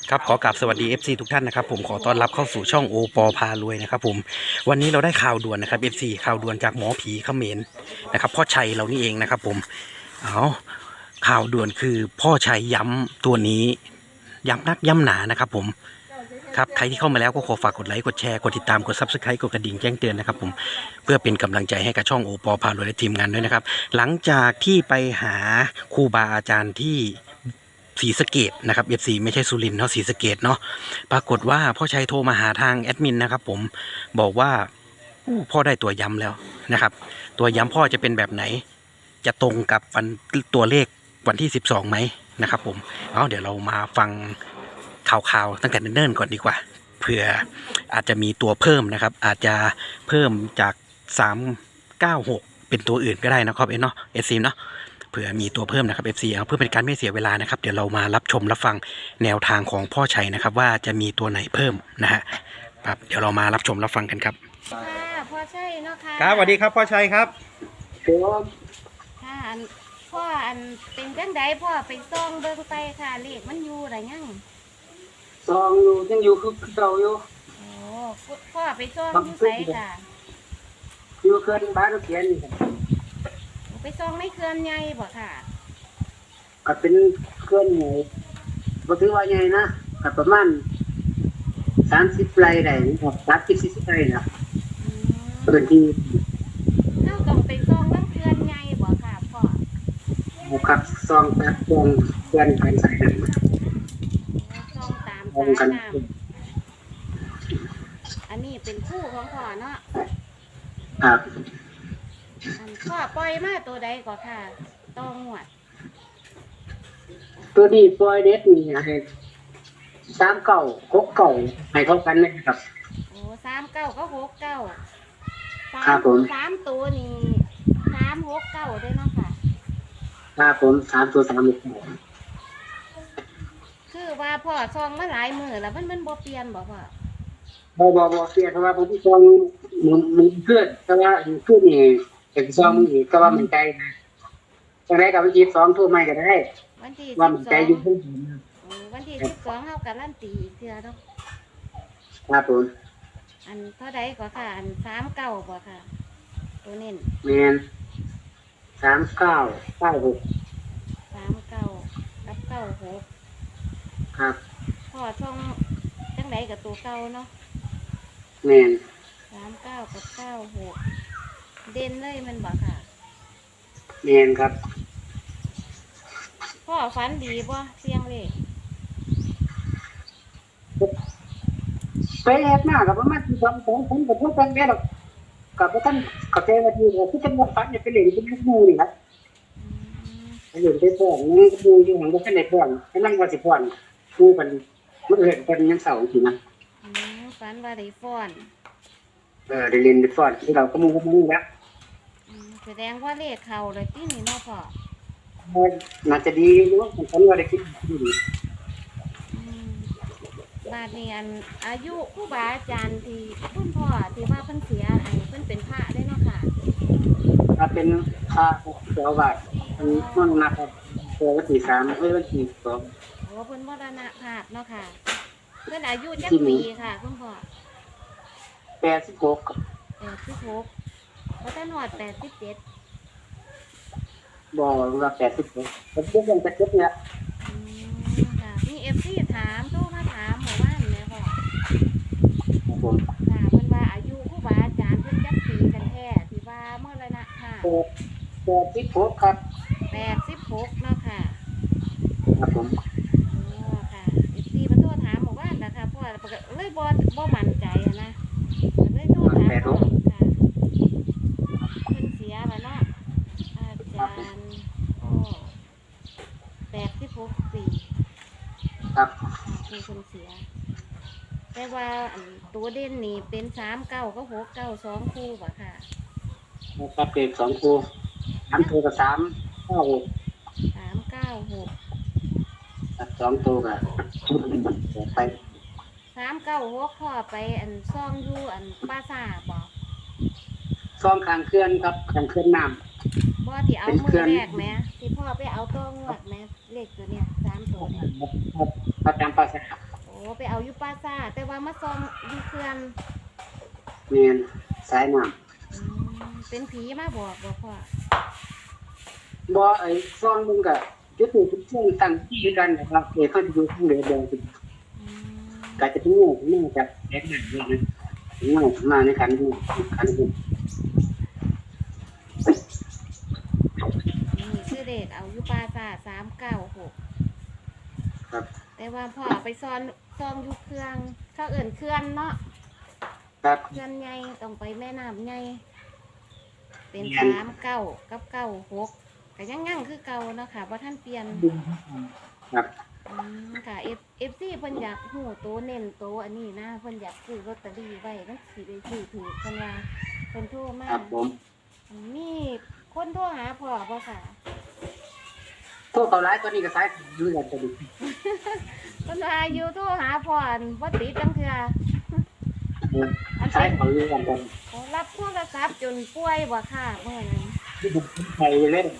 ครับขอกราบสวัสดี FC ทุกท่านนะครับผมขอต้อนรับเข้าสู่ช่องโอปอพารวยนะครับผมวันนี้เราได้ข่าวด่วนนะครับ FC ข่าวด่วนจากหมอผีเขมรนะครับพ่อชัยเรานี่เองนะครับผมเอาข่าวด่วนคือพ่อชัยย้ำตัวนี้ย้ำนักย้ำหนานะครับผมครับใครที่เข้ามาแล้วก็ขอฝากกดไลค์กดแชร์กดติดตามกด Subscribe กดกระดิ่งแจ้งเตือนนะครับผมเพื่อเป็นกำลังใจให้กับช่องโอปอพารวยและทีมงานด้วยนะครับหลังจากที่ไปหาครูบาอาจารย์ที่ศรีสะเกษนะครับ FC ไม่ใช่สุรินทร์เนาะศรีสะเกษเนาะปรากฏว่าพ่อชัยโทรมาหาทางแอดมินนะครับผมบอกว่าพ่อได้ตัวย้ำแล้วนะครับตัวย้ำพ่อจะเป็นแบบไหนจะตรงกับตัวเลขวันที่12ไหมนะครับผมเดี๋ยวเรามาฟังข่าวๆตั้งแต่เนิ่นๆก่อนดีกว่าเผื่ออาจจะมีตัวเพิ่มนะครับอาจจะเพิ่มจาก396เป็นตัวอื่นก็ได้นะครับเนาะเอซีเนาะเผื่อมีตัวเพิ่มนะครับ FC เพื่อเป็นการไม่เสียเวลานะครับเดี๋ยวเรามารับชมรับฟังแนวทางของพ่อชัยนะครับว่าจะมีตัวไหนเพิ่มนะฮะครับเดี๋ยวเรามารับชมรับฟังกันครับค่ะพ่อใช่เนาะค่ะครับสวัสดีครับพ่อชัยครับค่ะพ่อเป็นจังไดพ่อไปซ่องเบิ่งไปค่ะเลขมันอยู่ไรยังซองอยู่ยังอยู่คือเก่าอยู่โอ้พ่อไปซ่องอยู่ไสค่ะอยู่เขื่อนบ้านเขียนไปซ่องในเขื่อนใหญ่บ่ค่ะก็เป็นเขื่อนใหญ่บ่ถือว่าใหญ่นะก็ประมาณ30 ไร่ได้ครับ30-40 ไร่นะพื้นที่เราต้องไปซ่องในเขื่อนใหญ่บ่ค่ะพ่อครับซองตัดตรงเขื่อนทางสายน้ำซ่องตามสายน้ำอันนี้เป็นคู่ของพ่อเนาะครับพ่อปล่อยมาตัวใดก่อนค่ะต้องหวดตัวนี้ปล่อยเด็ดนี่ให้3969ให้เท่ากันเลยครับโอ้39ก็69 ครับผม 3ตัวนี่369ได้เนาะค่ะครับผม3ตัว369 คือว่าพ่อซองมาหลายมื้อแล้วมันบ่เปลี่ยนบ่พ่อบ่เสียเพราะว่าผมซองมันเพื่อนแต่ว่าเพื่อนนี่เป็นซองอีกก็ว่ามันใจนะจังได๋ก็ไป22ทุ่มใหม่ก็ได้วันที่ว่ามันใจอยู่เพิ่นวันที่12เฮาการันตีอีกเทื่อเนาะครับผมเท่าใดก็ค่ะ39บ่ค่ะตัวเน้นแม่น3996 39กับ96 ครับพ่อช่องจังไดกับตัวเก่าเนาะแม่น 39กับ96เด่นเลยมันบ่ค่ะแม่นครับพ่อฝันดีบ่เสียงเลขไปแอบหน้ากับประมาณ2คนกับพวกกันแม่ดอกกับบ่ทันเข้าใจว่าที่คือจังว่าฝันไปเล่นกับหมู่นี่ครับไปเล่นไปฟ้อนนี่ก็อยู่อยู่หังบ่ทันได้ฟ้อนกำลังว่าสิฟ้อนผู้เพิ่นมื้ออื่นเพิ่นยังเศร้าอยู่นะฝันว่าได้ฟ้อนได้เล่นได้ฟ้อนที่เราก็มุ่งแล้วแสดงว่าเลขเข้าเลยตินี่เนาะพ่อน่าจะดีอยู่ผมว่าได้คิดดีบาดนี้อายุครูบาอาจารย์ที่คุณพ่อที่ว่าเพิ่นเสียเพิ่นเป็นพระได้เนาะค่ะถ้าเป็นพระเจ้าบาทมันนับวันที่3วันที่2 โอ้เพิ่นมรณภาพเนาะค่ะเพิ่นอายุจักปีค่ะคุณพ่อ 86 86บ่ทันฮอด87 บ่ว่า86ผมเพิ่งจะเก็บเนี่ยค่ะมี FC ถามโทรมาถามหมู่บ้านแม่พ่อครับผมค่ะเพิ่นว่าอายุครูบาอาจารย์เพิ่นจักปีกันแท้ที่ว่ามรณภาพ 86ครับ 86เนาะค่ะครับผมค่ะ FC มาโทรถามหมู่บ้านนะคะพ่อเลยบ่มั่นใจนะเลยโทรถามพ่อค่ะเพิ่นเสียแล้วเนาะอาจารย์86ปีครับคือคนเสียแต่ว่าตัวเด่นนี่เป็น39กับ69 2คู่บ่ค่ะครับเป็น2คู่3ตัวกับ396 ครับ2ตัวก็ไป 396พ่อไปซ่องอยู่ปราสาทบ่ซ่องข้างเขื่อนครับข้างเขื่อนน้ำบ่ที่เอามือแรกแหมที่พ่อไปเอาตัวงวดแหมเลขตัวเนี้ย3ตัวเนี่ยประจำปราสาทแต่ว่ามาซองอยู่เขื่อนแม่นสายน้ำอืมเป็นผีมาบอกบ่พ่อบ่ไอ้ซ่องมึงก็จุดนี้จุดช่วงตั้งที่อยู่กันนะครับเพิ่นอยู่ทางเรือแดงอืมก็จะเป็นงูจากแดงนั่นเลยนะงูมาในคันนี้คันนี้นี่ชื่อเด็กเอาอยู่ปราสาท396 ครับแต่ว่าพ่อไปซองอยู่เครื่องเขาเอิ่นเคลื่อนเนาะครับเคลื่อนใหญ่ต้องไปแม่น้ำใหญ่เป็นเปลี่ยน 39กับ96ก็ยังคือเก่าเนาะค่ะบ่ทันเปลี่ยนครับค่ะ FC เพิ่นอยากฮู้โตเน้นโตอันนี้นะเพิ่นอยากซื้อลอตเตอรี่ไว้มันสิได้ซื้อถูกเพิ่นว่าเพิ่นโทรมาครับผมมีคนโทรหาพ่อบ่ค่ะพวกเขาร้ายตัวนี้ก็สายอยู่กันตัวนี้เพิ่นว่าอยู่โทรหาพ่ออันบ่ติดจังเทื่ออันสาเป็ยนเขาอยู่กันตัวนี้รับโทรศัพท์จนป่วยบ่ค่ะเมื่อนั้นใครเล่น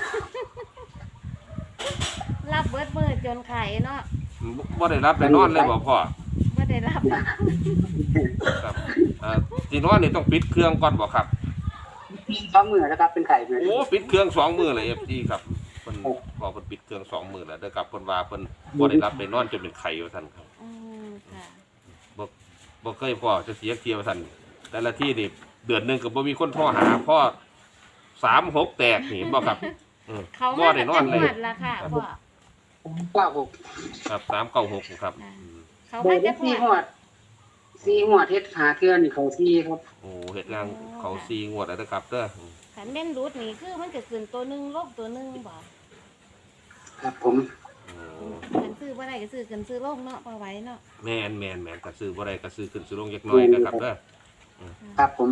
รับเบิดมื้อจนไข้เนาะบ่ได้รับได้นอนเลยบ่พ่อบ่ได้รับครับที่นอนนี่ต้องปิดเครื่องก่อนบ่ครับสองมือนะครับเป็นไข่เลยโอ้ปิดเครื่อง2มื้อเลย FG ครับเพิ่นพอเพิ่นปิดเครื่อง2มื้อแล้วเด้อครับเพิ่นว่าเพิ่นบ่ได้รับได้นอนจนเป็นไข้ว่าซั่นครับค่ะบ่เคยพ่อจะเสียเที่ยวว่าซั่นแต่ละที่นี่เดือนหนึงก็บ่มีคนโทรหาพ่อ36แตกนี่บ่ครับเขาบ่มาได้แต่นอนเลยหวัดละค่ะพ่อ 96 ครับ396ครับเขาโดมาย แต่หสี่วัดหัวสี่หัวเทศหาเทือนนี่เขาสี่ครับโอ้เฮ็ดงานเขา4งวดแล้วเด้อครับเด้อขันแม่นรูดนี่คือมันจะขึ้นตัวหนึงลบตัวหนึงบ่ครับผมโอ้ขันซื้อบ่ได้ก็ซื้อขึ้นซื้อลงเนาะพอไหว้เนาะแม่นก็ซื้อบ่ได้ก็ซื้อขึ้นซื้อลงจักหน่อยนะครับเด้อครับผม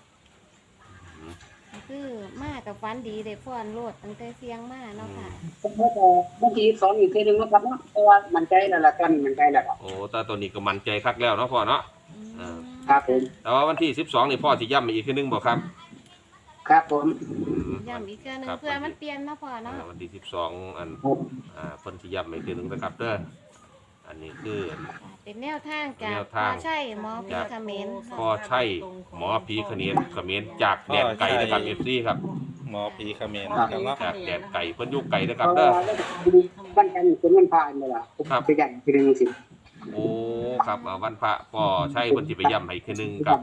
ก็คือมากับฟันดีได้ฟ้อนโลดตั้งแต่เสียงมาเนาะค่ะผมว่าบางทีสองอีกทีหนึงนะครับเนาะเพราะว่ามันใจแล้วล่ะตอนนี้มันใจแล้วครับโอ้แต่ตัวนี้ก็มั่นใจคักแล้วเนาะพ่อเนาะอืมครับผมแต่ว่าวันที่12นี่พ่อสิย้ำอีกทีนึงบ่ครับครับผมย้ำอีกเทื่อหนึงครับเพื่อมันเปลี่ยนเนาะพ่อเนาะวันที่12อันเพิ่นสิย้ำอีกทีนึงนะครับเด้ออันนี้คือเป็นแนวทางจากแนวพ่อทางใช่หมอพีคเขมรพ่อใช่หมอผีเขมรจากแดนไก่นะครับ FC ครับหมอผีเขมรนะครับเนาะจากแดนไก่เพิ่นอยู่ไก่นะเพครับราะเด้อว่าวันจันทร์เป็นวันพระนี่แหละผมครับไปยันทีหนึงสิโอ้ครับวันพระพ่อใช่เพิ่นสิไปย้ำให้อีกทีนึงครับ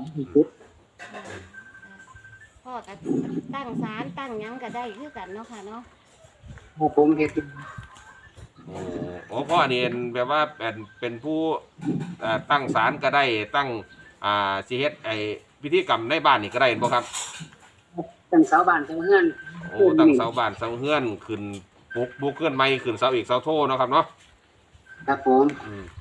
พ่อก็ตั้งศาลตั้งหยังก็ได้คือกันเนาะค่ะเนาะครับผมเฮ็ดโอ้พ่อนี่แบบว่าเป็นผู้ตั้งศาลก็ได้ตั้งสิเฮ็ดไอ้พิธีกรรมในบ้านนี่ก็ได้เห็นบ่ครับตั้งเสาบ้านเสาเฮือนโอ้ตั้งเสาบ้านเสาเฮือนขึ้นบุกเฮือนใหม่ขึ้นเสาอีกเสาโทเนาะครับเนาะครับผมอืม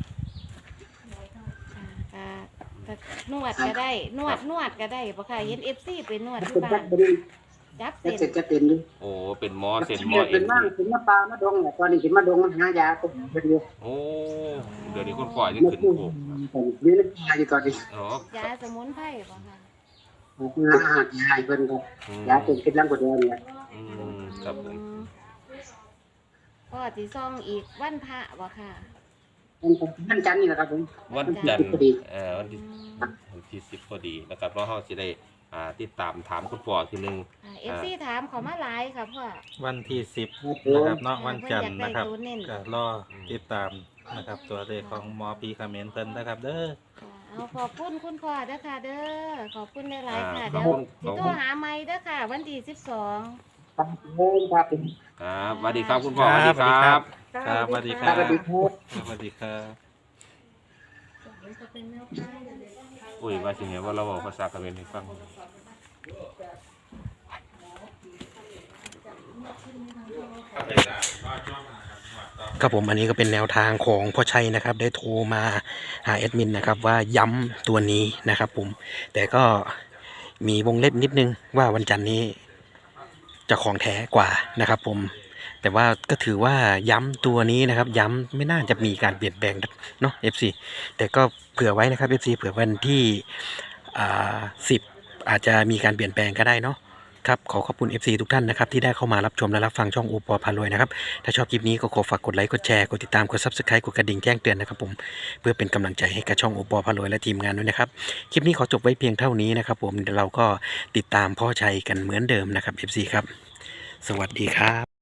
ก็นวดก็ได้นวดก็ได้บ่ค่ะเห็น FC ไปนวดที่เป็นบ้าจันกเป็นจับจะเส้นเสร็จจะเป็นด้วยโอ้เป็นหมอเส้นหมอเอ็เป็นนมั่งเป็นมะปลามะดงแหละตอนนี้เป็นมะดงมันหายาก็เป็นอยู่โอ้เดี๋ยวนี้คุณพ่อยังขึ้นโคกนี่นักยาอยู่ตอนนี้อ๋อยาสมุนไพรบ่ค่ะอาหารยาเพิ่นครับอืมยาเป็นคิดลังกว่าเดิมเนี่ยอืมครับผมพ่อสิซ่องอีกวันพระบ่ค่ะวันจันทร์นี่แหละครับผมวันจันทร์พอดีวันที่10พอดีนะครับเพราะเฮาสิได้ติดตามถามคุณพ่อทีนึง FC ถามเขามาหลายค่ะพ่อวันที่10นะครับเนาะวันจันทร์นะครับเพิ่นอยากได้ตัวเน้นก็รอติดตามนะครับตัวเลขของหมอผีเขมรเพิ่นนะครับเด้อเอาขอบคุณคุณพ่อเด้อค่ะเด้อขอบคุณหลายๆค่ะขอเดี๋บยวคุณสิโทรหาใหม่เด้อค่ะ วันที่12 ครับผมครับผมครับสวัสดีครับคุณพ่อสวัสดีครับครับสวัสดีคครัรับบ สวัสดีครับสวัสดีครับอุ้ยว่าสิเห็นว่าเราบอกภาษาเขมรให้ฟังครับผมอันนี้ก็เป็นแนวทางของพ่อชัยนะครับ ได้โทรมาหาแอดมินนะครับว่าย้ำตัวนี้นะครับผมแต่ก็มีวงเล็บนิดนึงว่าวันจันทร์นี้จะของแท้กว่านะครับผมแต่ว่าก็ถือว่าย้ำตัวนี้นะครับย้ำไม่น่าจะมีการเปลี่ยนแปลงเนาะ FC แต่ก็เผื่อไว้นะครับ FC เผื่อวันที่10อาจจะมีการเปลี่ยนแปลงก็ได้เนาะครับขอขอบคุณ FC ทุกท่านนะครับที่ได้เข้ามารับชมและรับฟังช่องโอปอพารวยนะครับถ้าชอบคลิปนี้ก็ขอฝากกดไลค์กดแชร์กดติดตามกด Subscribe กดกระดิ่งแจ้งเตือนนะครับผมเพื่อเป็นกำลังใจให้กับช่องโอปอพารวยและทีมงานด้วยนะครับคลิปนี้ขอจบไว้เพียงเท่านี้นะครับผมเดี๋ยวเราก็ติดตามพ่อชัยกันเหมือนเดิมนะครับ FC ครับสวัสดีครับ